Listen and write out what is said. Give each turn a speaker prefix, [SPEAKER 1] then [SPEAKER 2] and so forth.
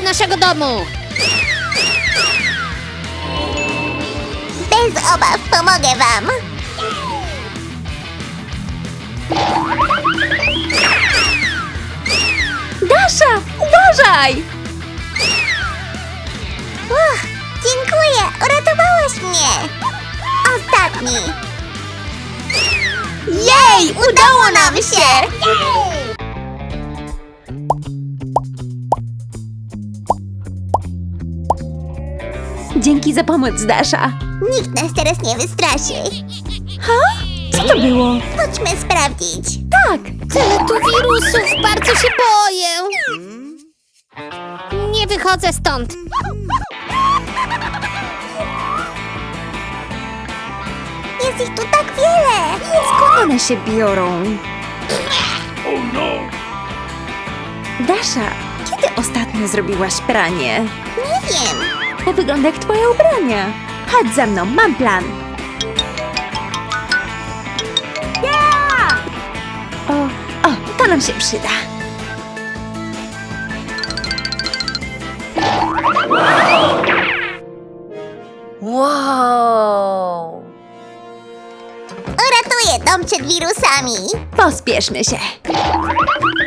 [SPEAKER 1] naszego domu!
[SPEAKER 2] Bez obaw pomogę wam.
[SPEAKER 3] Dasza, uważaj!
[SPEAKER 2] Dziękuję, uratowałaś mnie. Ostatni.
[SPEAKER 3] Jej, udało nam się! Dzięki za pomoc, Dasza.
[SPEAKER 2] Nikt nas teraz nie wystraszy.
[SPEAKER 3] Co to było?
[SPEAKER 2] Chodźmy sprawdzić.
[SPEAKER 3] Tak,
[SPEAKER 1] Tyle tu wirusów, bardzo się boję! Nie wychodzę stąd!
[SPEAKER 2] Jest ich tu tak wiele.
[SPEAKER 3] skąd one się biorą? Dasza, kiedy ostatnio zrobiłaś pranie?
[SPEAKER 2] Nie wiem.
[SPEAKER 3] To wygląda jak twoje ubrania. Chodź ze mną, mam plan. O, to nam się przyda. Wow!
[SPEAKER 2] Uratuję dom przed wirusami.
[SPEAKER 3] Pospieszmy się.